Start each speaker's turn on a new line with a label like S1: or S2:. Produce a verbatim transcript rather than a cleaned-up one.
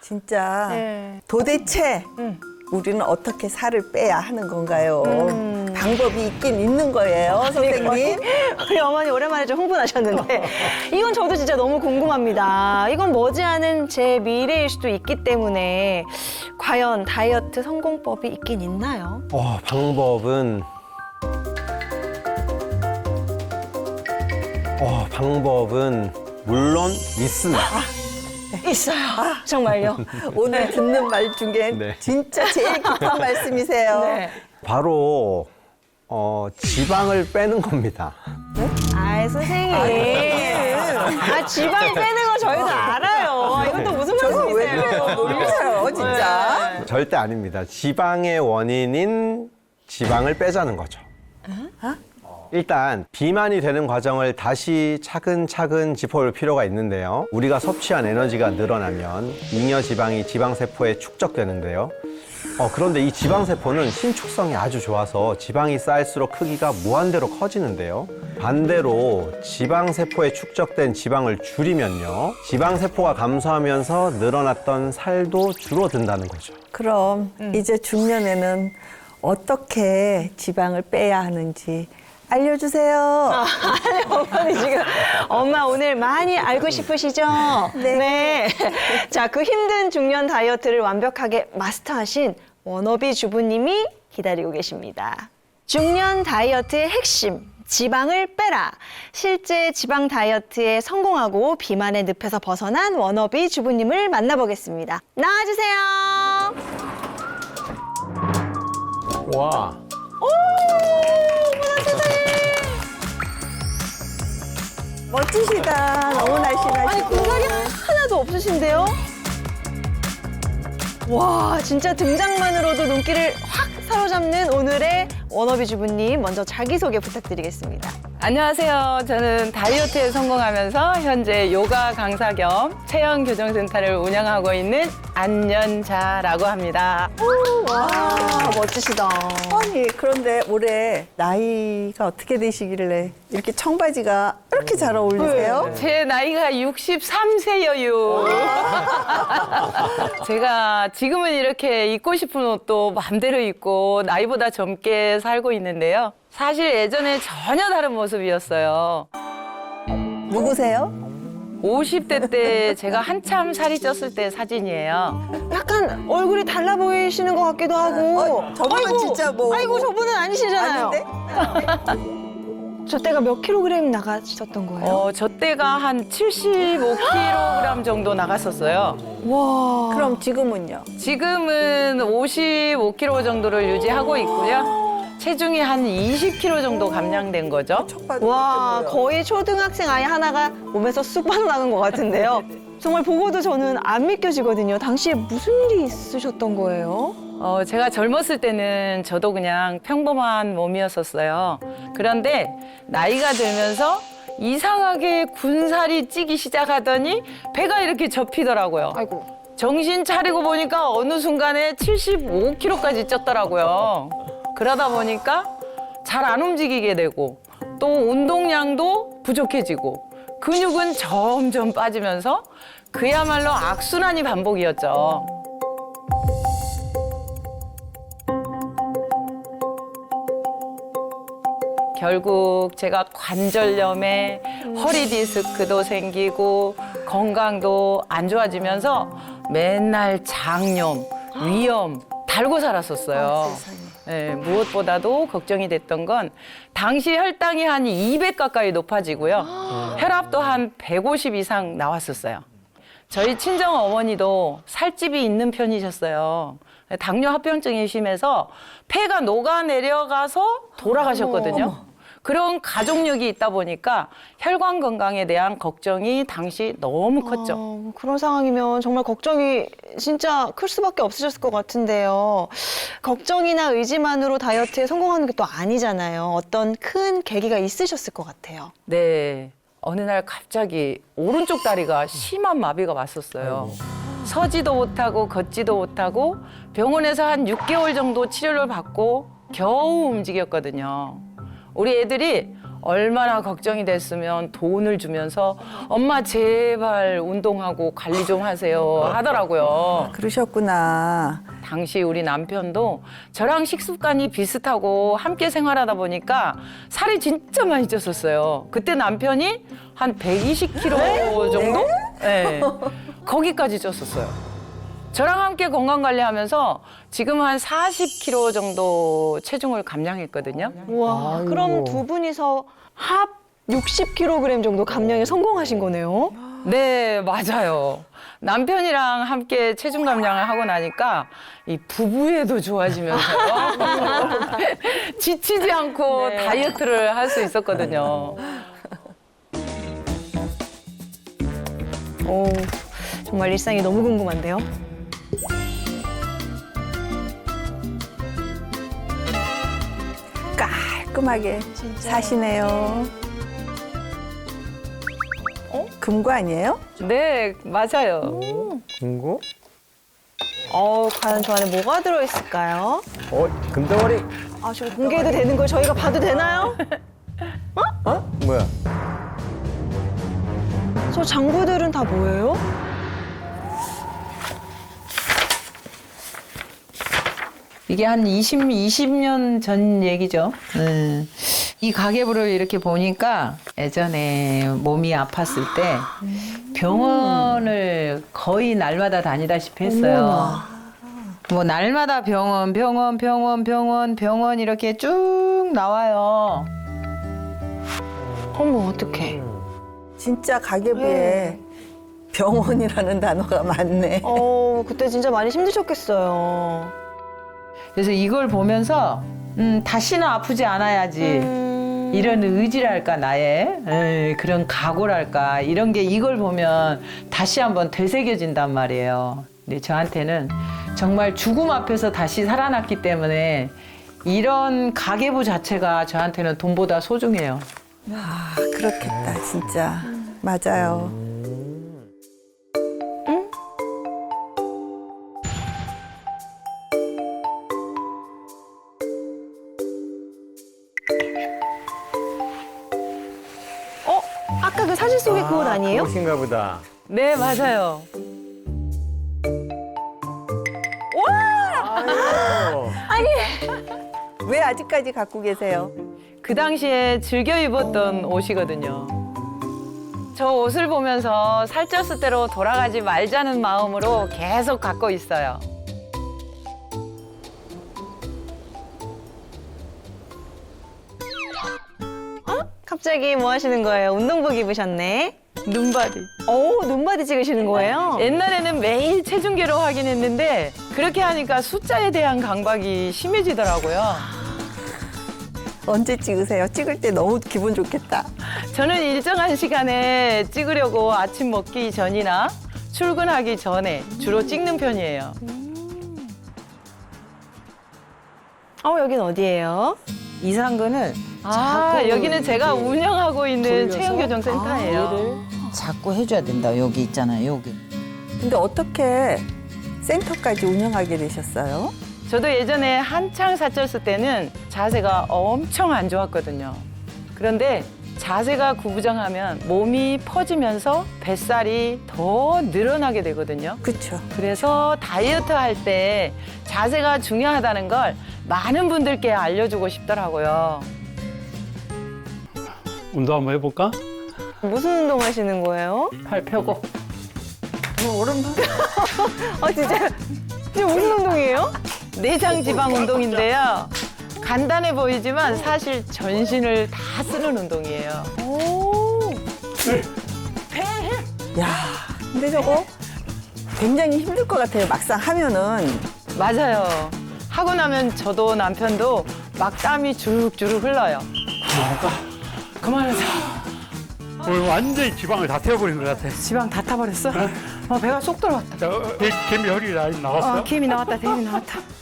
S1: 진짜
S2: 네.
S1: 도대체
S2: 음.
S1: 우리는 어떻게 살을 빼야 하는 건가요?
S2: 음.
S1: 방법이 있긴 있는 거예요, 선생님.
S2: 우리 어머니 오랜만에 좀 흥분하셨는데 이건 저도 진짜 너무 궁금합니다. 이건 머지않은 제 미래일 수도 있기 때문에 과연 다이어트 성공법이 있긴 있나요?
S3: 어, 방법은 어, 방법은 물론 있습니다.
S2: 있어요. 정말요?
S1: 오늘 듣는 말 중에
S3: 네.
S1: 진짜 제일 깊은 말씀이세요.
S2: 네.
S3: 바로 어, 지방을 빼는 겁니다.
S2: 아이 선생님. 아 지방 빼는 거 저희도 알아요. 이건 또 무슨
S1: 저거 왜
S2: 말씀이세요?
S1: 그래요? 놀리세요, 진짜.
S3: 절대 아닙니다. 지방의 원인인 지방을 빼자는 거죠. 일단 비만이 되는 과정을 다시 차근차근 짚어볼 필요가 있는데요. 우리가 섭취한 에너지가 늘어나면 잉여 지방이 지방세포에 축적되는데요. 어, 그런데 이 지방세포는 신축성이 아주 좋아서 지방이 쌓일수록 크기가 무한대로 커지는데요. 반대로 지방세포에 축적된 지방을 줄이면요. 지방세포가 감소하면서 늘어났던 살도 줄어든다는 거죠.
S1: 그럼 이제 중년에는 어떻게 지방을 빼야 하는지 알려주세요.
S2: 아니 어머니 지금 엄마 오늘 많이 알고 싶으시죠?
S1: 네.
S2: 자, 그 힘든 중년 다이어트를 완벽하게 마스터하신 워너비 주부님이 기다리고 계십니다. 중년 다이어트의 핵심. 지방을 빼라. 실제 지방 다이어트에 성공하고 비만의 늪에서 벗어난 워너비 주부님을 만나보겠습니다. 나와주세요.
S3: 와.
S1: 멋지시다. 너무 날씬하시고.
S2: 아니 군살이 하나도 없으신데요? 와 진짜 등장만으로도 눈길을 확 사로잡는 오늘의 워너비 주부님 먼저 자기소개 부탁드리겠습니다.
S4: 안녕하세요. 저는 다이어트에 성공하면서 현재 요가 강사 겸 체형 교정 센터를 운영하고 있는 안연자라고 합니다.
S2: 와 멋지시다.
S1: 아니 그런데 올해 나이가 어떻게 되시길래 이렇게 청바지가 이렇게 잘 어울리세요?
S4: 제 나이가 육십삼 세여요. 제가 지금은 이렇게 입고 싶은 옷도 마음대로 입고 나이보다 젊게 살고 있는데요. 사실 예전에 전혀 다른 모습이었어요.
S1: 누구세요?
S4: 오십 대 때 제가 한참 살이 쪘을 때 사진이에요.
S2: 약간 얼굴이 달라 보이시는 것 같기도 하고.
S1: 어, 저분은 진짜 뭐-
S2: 아이고 저분은 아니시잖아요.
S1: 아닌데?
S2: 저 때가 몇 킬로그램 나가셨던 거예요?
S4: 어, 저 때가 한 칠십오 킬로그램 정도 나갔었어요.
S2: 와.
S1: 그럼 지금은요?
S4: 지금은 오십오 킬로그램 정도를 유지하고 있고요. 체중이 한 이십 킬로그램 정도 감량된 거죠.
S1: 척바도
S2: 와
S1: 이렇게 보여.
S2: 거의 초등학생 아이 하나가 몸에서 쑥 빠져나간 것 같은데요. 정말 보고도 저는 안 믿겨지거든요. 당시에 무슨 일이 있으셨던 거예요?
S4: 어, 제가 젊었을 때는 저도 그냥 평범한 몸이었었어요. 그런데 나이가 들면서 이상하게 군살이 찌기 시작하더니 배가 이렇게 접히더라고요.
S2: 아이고.
S4: 정신 차리고 보니까 어느 순간에 칠십오 킬로그램까지 쪘더라고요. 그러다 보니까 잘 안 움직이게 되고 또 운동량도 부족해지고 근육은 점점 빠지면서 그야말로 악순환이 반복이었죠. 결국 제가 관절염에 허리 디스크도 생기고 건강도 안 좋아지면서 맨날 장염, 위염 달고 살았었어요. 네, 무엇보다도 걱정이 됐던 건 당시 혈당이 한 이백 가까이 높아지고요. 혈압도 한 백오십 이상 나왔었어요. 저희 친정 어머니도 살집이 있는 편이셨어요. 당뇨 합병증이 심해서 폐가 녹아내려가서 돌아가셨거든요. 그런 가족력이 있다 보니까 혈관 건강에 대한 걱정이 당시 너무 컸죠.
S2: 어, 그런 상황이면 정말 걱정이 진짜 클 수밖에 없으셨을 것 같은데요. 걱정이나 의지만으로 다이어트에 성공하는 게 또 아니잖아요. 어떤 큰 계기가 있으셨을 것 같아요.
S4: 네. 어느 날 갑자기 오른쪽 다리가 심한 마비가 왔었어요. 서지도 못하고 걷지도 못하고 병원에서 한 육 개월 정도 치료를 받고 겨우 움직였거든요. 우리 애들이 얼마나 걱정이 됐으면 돈을 주면서 엄마 제발 운동하고 관리 좀 하세요 하더라고요.
S1: 그러셨구나.
S4: 당시 우리 남편도 저랑 식습관이 비슷하고 함께 생활하다 보니까 살이 진짜 많이 쪘었어요. 그때 남편이 한 백이십 킬로그램 정도? 네. 거기까지 쪘었어요. 저랑 함께 건강 관리하면서 지금 한 사십 킬로그램 정도 체중을 감량했거든요.
S2: 와, 그럼 두 분이서 합 육십 킬로그램 정도 감량에 성공하신 거네요.
S4: 네, 맞아요. 남편이랑 함께 체중 감량을 하고 나니까 이 부부애도 좋아지면서요. 지치지 않고 다이어트를 할 수 있었거든요.
S2: 오, 정말 일상이 너무 궁금한데요.
S1: 깔끔하게 사시네요. 어? 금고 아니에요?
S4: 네, 맞아요.
S3: 금고?
S2: 어, 과연 저 안에 뭐가 들어있을까요?
S3: 어, 금덩어리.
S2: 아, 저 공개해도 되는 걸 저희가 봐도 되나요?
S3: 어? 뭐야?
S2: 저 장부들은 다 뭐예요?
S4: 이게 한 이십, 이십 년 전 얘기죠. 네. 이 가계부를 이렇게 보니까 예전에 몸이 아팠을 때 병원을 거의 날마다 다니다시피 했어요. 뭐 날마다 병원, 병원, 병원, 병원, 병원 이렇게 쭉 나와요.
S2: 어머, 어떡해.
S1: 진짜 가계부에 병원이라는 단어가 많네.
S2: 어, 그때 진짜 많이 힘드셨겠어요.
S4: 그래서 이걸 보면서 음, 다시는 아프지 않아야지.
S2: 음.
S4: 이런 의지랄까 나의 에이, 그런 각오랄까 이런 게 이걸 보면 다시 한번 되새겨진단 말이에요. 근데 저한테는 정말 죽음 앞에서 다시 살아났기 때문에 이런 가계부 자체가 저한테는 돈보다 소중해요.
S1: 아, 그렇겠다, 진짜. 맞아요.
S2: 어? 아까 그 사진 속의 그 옷 아니에요?
S3: 옷인가 보다.
S4: 네, 맞아요.
S1: 왜 아직까지 갖고 계세요?
S4: 그 당시에 즐겨 입었던 옷이거든요. 저 옷을 보면서 살쪘을 대로 돌아가지 말자는 마음으로 계속 갖고 있어요.
S2: 갑자기 뭐 하시는 거예요? 운동복 입으셨네.
S4: 눈바디.
S2: 오, 눈바디 찍으시는 거예요?
S4: 옛날에는 매일 체중계로 확인했는데 그렇게 하니까 숫자에 대한 강박이 심해지더라고요.
S1: 언제 찍으세요? 찍을 때 너무 기분 좋겠다.
S4: 저는 일정한 시간에 찍으려고 아침 먹기 전이나 출근하기 전에 주로 찍는 편이에요.
S2: 어, 여긴 어디예요?
S5: 이상근을
S4: 아,
S5: 자꾸
S4: 여기는 제가
S5: 이렇게
S4: 운영하고 있는
S5: 돌려서?
S4: 체형교정센터예요.
S5: 얘를 자꾸 해줘야 된다. 여기 있잖아요. 여기.
S1: 근데 어떻게 센터까지 운영하게 되셨어요?
S4: 저도 예전에 한창 살쪘을 때는 자세가 엄청 안 좋았거든요. 그런데 자세가 구부정하면 몸이 퍼지면서 뱃살이 더 늘어나게 되거든요.
S1: 그쵸.
S4: 그래서 다이어트 할 때 자세가 중요하다는 걸 많은 분들께 알려주고 싶더라고요.
S6: 운동 한번 해볼까?
S2: 무슨 운동 하시는 거예요?
S4: 팔 펴고.
S2: 아, 진짜. 진짜 무슨 운동이에요?
S4: 내장 지방 운동인데요. 간단해 보이지만 사실 전신을 다 쓰는 운동이에요.
S2: 오.
S1: 야, 근데 저거 굉장히 힘들 것 같아요. 막상 하면은.
S4: 맞아요. 하고 나면 저도 남편도 막 땀이 주룩주룩 흘러요. 그만하자.
S6: 오늘 완전히 지방을 다 태워버린 것 같아.
S4: 지방 다 타버렸어? 어, 배가 쏙 들어왔다.
S6: 저, 개- 개미 허리 라인 나왔어?
S4: 어, 김이 나왔다, 김이 나왔다.